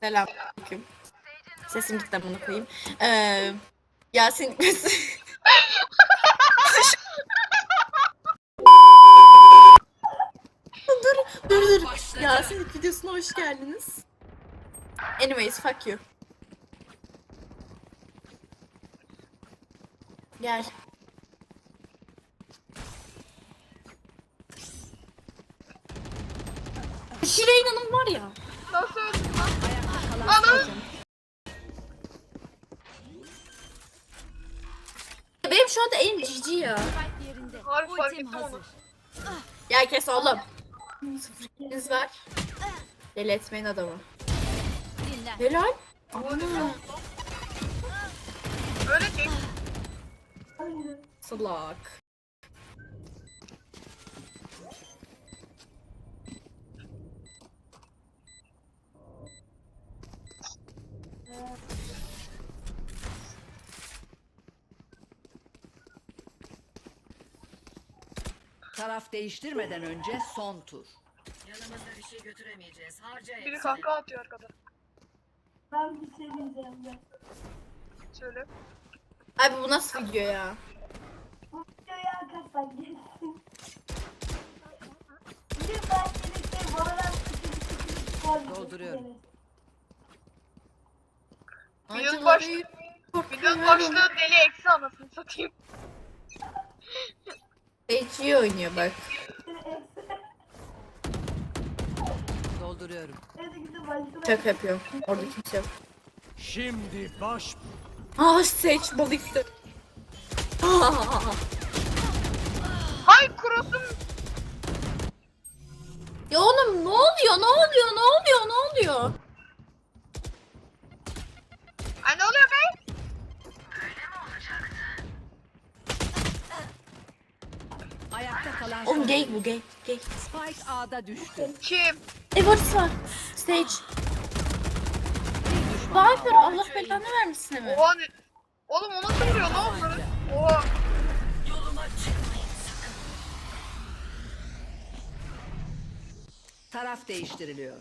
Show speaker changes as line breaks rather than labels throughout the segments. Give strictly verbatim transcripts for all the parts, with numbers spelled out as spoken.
Selamünaleyküm. Sesim gitti bunu koyayım. Ee, Yasin dur dur dur. Yasin videosuna hoş geldiniz. Anyways, fuck you. Gel. Şireyn Hanım var ya.
Nasıl öldün lan? Ana!
Benim şu anda en cici ya.
Harbi fark ettim onu.
Gel kes oğlum. Sıfır kiliniz var. Deli etmeyin adamı. Helal. Ana.
Öyle değil.
Salak.
Taraf değiştirmeden önce son tur.
Yanımızda bir şey götüremeyeceğiz. Harca
Biri
hepsini.
kahkaha atıyor arkada.
Ben bir şey diyeceğim ya.
Söyle.
Abi bu nasıl video ya?
Bu videoya arkadaşlar gelsin. Bir de ben gelirse Valorant sıkıntı
Dolduruyorum.
Videonun başlığı, videonun başlığı deli eksi anasını satayım.
Hiç iyi oynuyor bak.
Dolduruyorum.
Şaka yapıyorum. Orada kimse yok.
Şimdi baş
Ah seç balıktı. Ah.
Hay cross'um.
Ya oğlum ne oluyor ne oluyor ne oluyor ne oluyor?
Ay ne oluyor be?
Ayakta kalan
Oğlum
son.
gay bu gay gay.
Spike A'da düştü.
Kim?
Evolis var. Stage.
Bir düşman
Viper
kaldı.
Allah belanı vermesin mi?
Oha ne? Oğlum o nasıl vuruyor lan onları? Oha.
Taraf değiştiriliyor.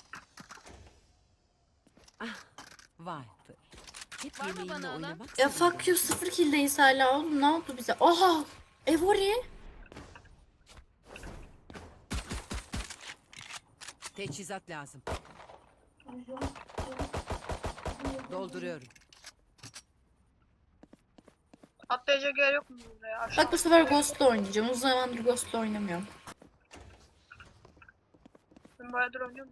Ah, Viper. Hep yemeğinle oynamak.
Ya fuck you sıfır killdeyiz hala oğlum ne oldu bize? Aha! Evori.
Teçhizat lazım. Dolduruyorum.
Atlayacak yer yok mu burada ya? Aşağı.
Bak bu sefer Ghost'la oynayacağım. Uzun zamandır Ghost'la oynamıyorum.
Ben bayağıdır oynuyorum.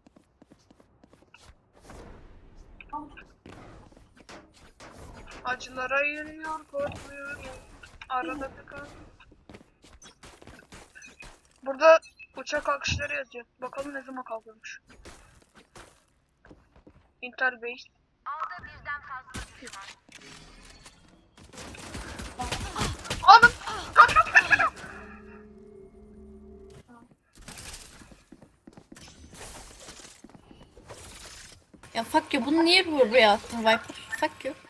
Acılara yürüyor, korkmuyor. Arada tıkan. Burada uçak kalkışları yazıyor. Bakalım ne zaman kalkıyormuş. Intel Base. Aldım. Kaç kaç kaç kaç.
Ya fuck you bunu niye buraya attın Viper? Fuck you.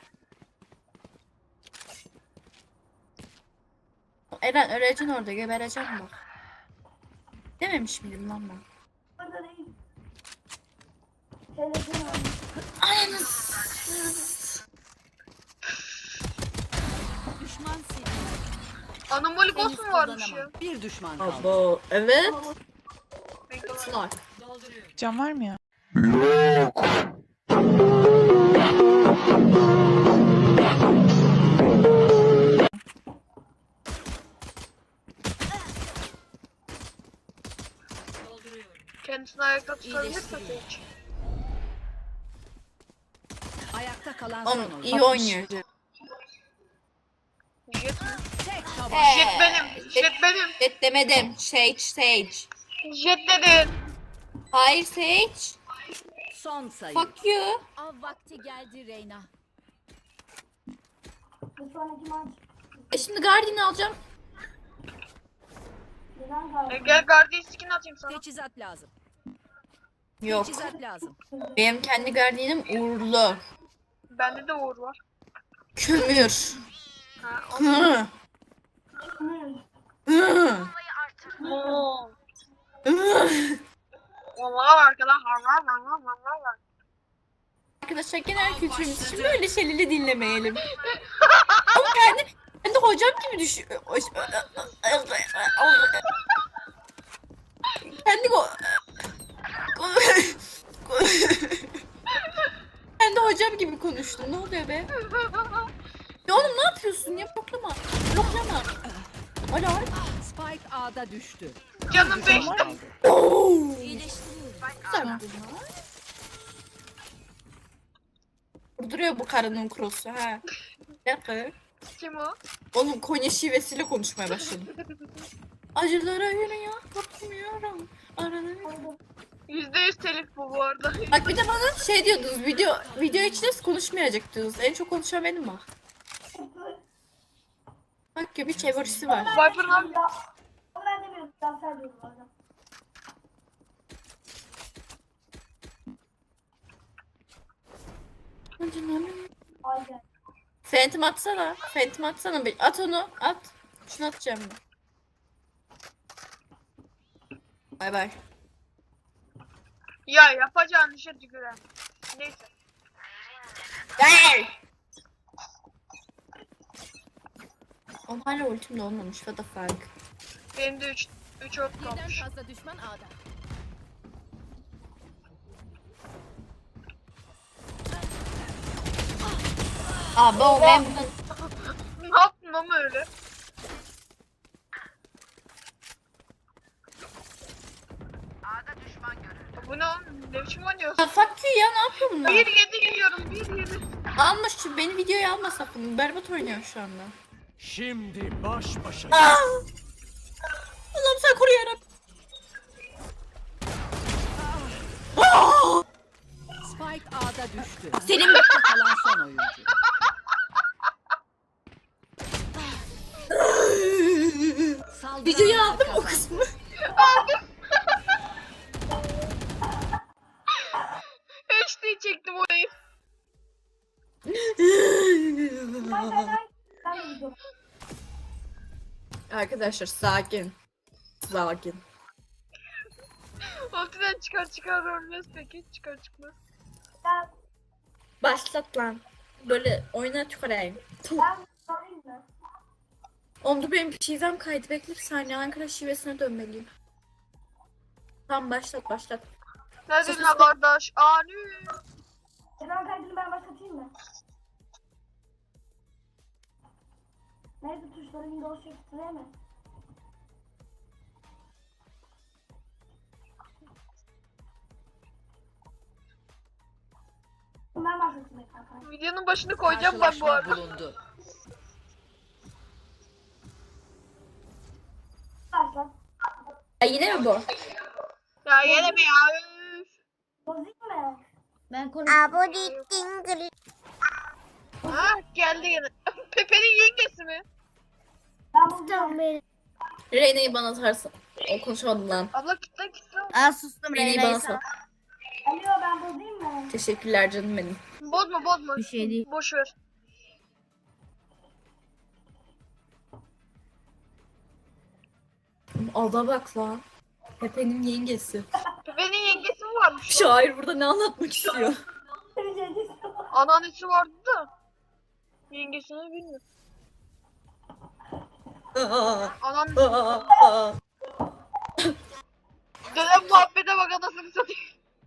Eren öleceksin orada gebereceksin bak. Dememiş miydim lan ben?
Burada değil. Telefon aldım.
Ananız.
Düşman seni.
Anomali boss mu varmış ya?
Kullanamam. Bir düşman kaldı.
Abo evet.
Bekle.
Slak.
Can var mı ya?
Kendisini ayakta tutabilirse hiç.
Ayakta kalan son
Oğlum
oyun.
iyi oynuyor.
Jet mi?
Tek taban.
Ee,
Jet benim. Jet benim.
Jet demedim. Sage Sage.
Jet dedin.
Hayır Sage.
Son sayı.
Fuck you.
Av vakti geldi Reyna.
Bu sonraki maç.
E şimdi Guardian'ı alacağım.
Neden
E,
kaldı?
gel Guardian skin atayım sana.
Teçhizat lazım.
Yok.
Teçhizat lazım.
Benim kendi Guardian'ım uğurlu.
Bende de Uğur var.
Kömür.
Ha, o-
Hı. Hı.
Oo.
Hı.
Vallahi var arkadaşlar. Var var var var var var.
arkadaşlar genel kültürümüz için böyle şeyleri dinlemeyelim. Ama kendi, kendi hocam gibi düşün. Kendi go... kendi hocam gibi konuştum. Ne oluyor be? Ya oğlum ne yapıyorsun ya? Bloklama. Bloklama. Alo.
Spike A'da düştü.
Canım beşte.
Kaldı.
Güzel. Vurduruyor bu karının krosu ha. Bir dakika.
Kim o?
Oğlum Konya şivesiyle konuşmaya başladım. Acılara yürüyor, korkmuyorum. Arada
Yüzde yüz telif bu bu arada.
Bak bir de bana şey diyordunuz, video video içinde konuşmayacak diyordunuz. En çok konuşan benim bak. Bak gibi çevirisi var.
Viper'ın abi.
Ya, ama ben demiyorum. Ben sen diyorum bu arada. Aynen.
Phantom atsana. Phantom atsana. Bir at onu. At. Şunu atacağım ben. Bay bay.
Ya yapacağın işe tüküren. Neyse.
Gel. Oğlum hala ultim de olmamış. What the fuck.
Benim de üç üç ot
Birden
kalmış.
fazla düşman A'da.
Abi o ben bunu...
Ne yaptın ama öyle? Bu ne oğlum? Ne biçim oynuyorsun?
Ya fuck you ya, ne yapıyor bunlar?
bir yedi geliyorum. bir yedi.
Almış şu beni videoya alma sakın. Berbat oynuyor şu anda.
Şimdi baş başa.
Aa! Allah'ım sen koru yarabbim.
Spike A'da düştü.
Senin-
Ayakta kalan son oyuncu. Saldıran
Videoyu aldım o
kazandı.
kısmı.
H D çektim orayı.
Ben ben ben de gidiyorum.
Arkadaşlar sakin. Sakin.
Ultiden çıkar çıkar ölmez peki. Çıkar çıkmaz.
Ben
Başlat lan. Böyle oyuna tüküreyim.
ben sorayım mı?
Oğlum dur benim şivem kaydı. Bekle bir saniye. Ankara şivesine dönmeliyim. Tamam başlat başlat.
Neredesin
Sus,
ha
sus.
kardeş? Ani.
Ekran kaydını ben başlatayım mı? Neydi tuşları Windows Shift değil mi? Ben başlatayım ekran kaydını.
Videonun başını koyacağım ben bu
Karşılaşma
arada.
bulundu.
Başlat.
Ya yine mi bu?
Ya yine mi ya? Üf.
Bozayım mı?
Ben konuş.
Ha geldi yine. Pepe'nin yengesi mi?
Ben bozacağım.
Reyna'yı bana atarsın. O konuşamadım lan.
Abla kitle kitle.
Aa sustum
Reyna'yı
Reyna'yı
bana
sal.
sat.
Alo ben bozayım mı?
Teşekkürler canım benim.
Bozma bozma.
Bir şey değil.
Boş ver.
Ada bak lan. Pepe'nin yengesi.
Pepe'nin yengesi mi varmış?
Şair burada ne anlatmak istiyor?
Anneannesi vardı da. Yengesini bilmiyorum. Anneannesi. Dedem muhabbete bak anasını satayım.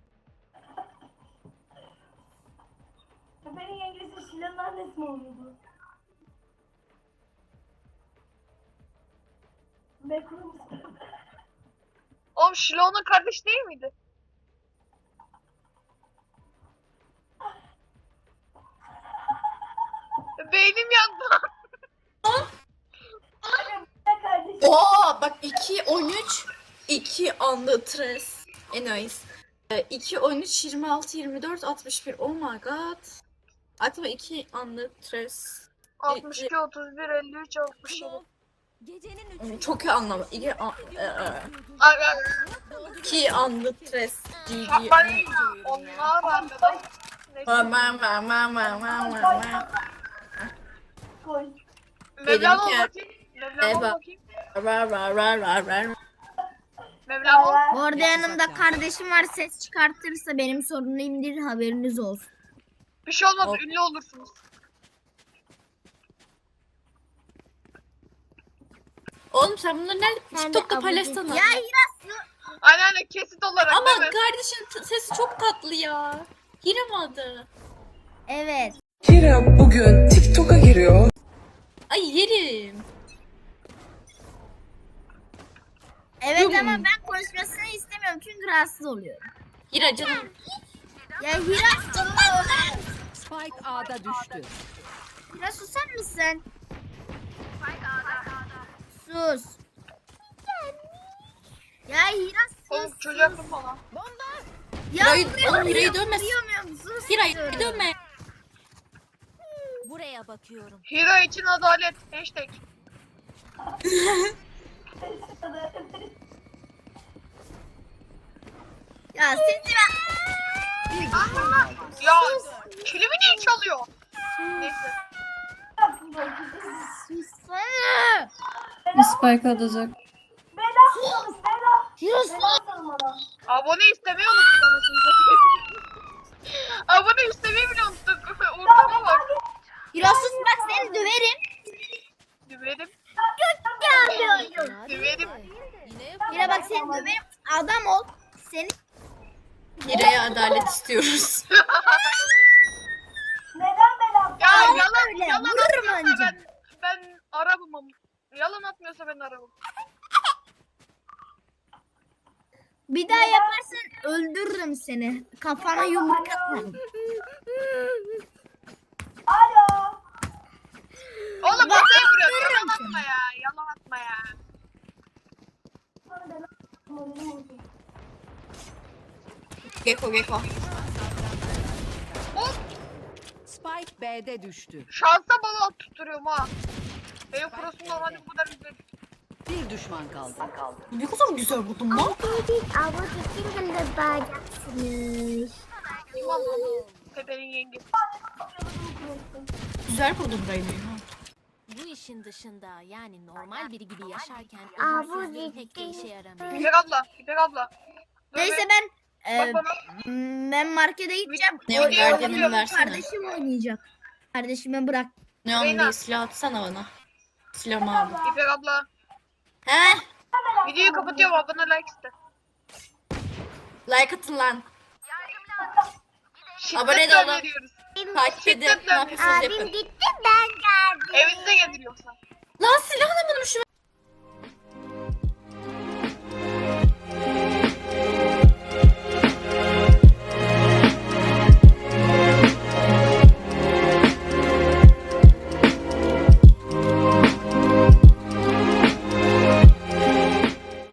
Köpeğin yengesi Şile'nin annesi mi oluyordu? Bekrum.
Oğlum Şilo'nun kardeş değil miydi? Beynim yandı.
Ne kardeşim?
Oo bak iki on üç iki anlı tres. Anyways. iki on üç yirmi altı yirmi dört altmış bir. Oh my god. Aklıma iki anlı tres.
altmış iki, otuz bir, elli üç, altmış yedi.
Gecenin
Hmm,
üçü.
Çok iyi anlama. İki, an, e, e,
Ay ay.
iki anlı tres. G G.
Ay, onlar arkadaş. Neyse.
Ma ma ma ma ma ma ma.
Koy.
Mevlam ol
Benimki-
bakayım. Mevlam ol
Eva.
bakayım.
Ra ra ra ra ra.
Mevlam ol.
Bu arada yanımda kardeşim var, ses çıkartırsa benim sorunumdur, haberiniz olsun.
Bir şey olmaz,
Hop.
ünlü olursunuz.
Oğlum sen bunları nerede
Ben de
TikTok'ta
abone-
paylaşsana.
Ya Hiras.
Aynen aynen kesit olarak
Ama
değil mi?
kardeşin t- sesi çok tatlı ya. Hiram adı.
Evet.
Hira bugün TikTok'a giriyor.
Ay yerim.
Evet
Yok.
ama ben konuşmasını istemiyorum çünkü rahatsız oluyorum.
Hira canım.
Ya Hiras.
Spike A'da düştü.
Hiras susar mısın? Sus. Ya Hiras
Oğlum
sus.
çocuğa kırma lan.
Ya
Hira'yı-
vuruyor,
oğlum Hira'yı
vuruyor,
dövme.
vuruyorum, sus
Hira
diyorum.
dönme.
Buraya bakıyorum.
Hira için adalet. Hashtag.
Ya sizi ben...
Ya kilimi niye çalıyor? Neyse.
Sussana.
Spike atacak.
Bela konuş Bela.
Hiras.
Bela sorun bana.
Abone istemeyi unuttuk anasını satayım. Abone istemeyi bile unuttuk. Ortama bak.
Hiras sus bak seni döverim.
Düverim.
Gelmiyorum.
Düverim.
Hira bak seni döverim. Adam ol. Seni
Hira'ya adalet istiyoruz.
Neden Bela?
Ya
Aa,
yalan
öyle.
yalan
Vururum
atmıyorsa
anca.
ben ben arabım ama. Yalan atmıyorsa ben arabım.
bir daha yaparsan öldürürüm seni. Kafana yumruk atarım.
Alo.
Oğlum
Bak,
masaya vuruyor.
vururum
Yalan
seni.
atma ya. Yalan atma ya.
Sana Bela. Moralim bozuldu.
Geko Geko.
Oğlum
Spike B'de düştü.
şansa bala tutturuyorum ha. Benim prosum normalde bu kadar güzel.
Bir düşman kaldı.
Ne kadar güzel buldun lan.
Abla kesin de bağıracaksınız.
Kim anladı? Pepe'nin yengesi.
Güzel buldun Reyne'yi.
Bu işin dışında yani normal biri gibi yaşarken
Aa, bu
ölümsüzlüğün
ciddi.
pek de işe yaramıyor.
İpek abla. İpek abla. Dur
Neyse
be,
ben e,
bak bana.
ben markete gideceğim.
Ne
O-
o
o-
gardiyanını
o-
versene.
Kardeşim oynayacak. Kardeşime bırak.
Ne onu
Reyna.
değil silah atsana bana. Silahımı aldım.
İpek abla.
He?
Videoyu kapatıyorum. Abone like iste.
Like atın lan.
Şiddetle
Abone de olun.
öneriyoruz.
Takip edin. Ne yapıyorsunuz yapın.
gitti ben geldim.
Evinize gelir yoksa.
Lan silah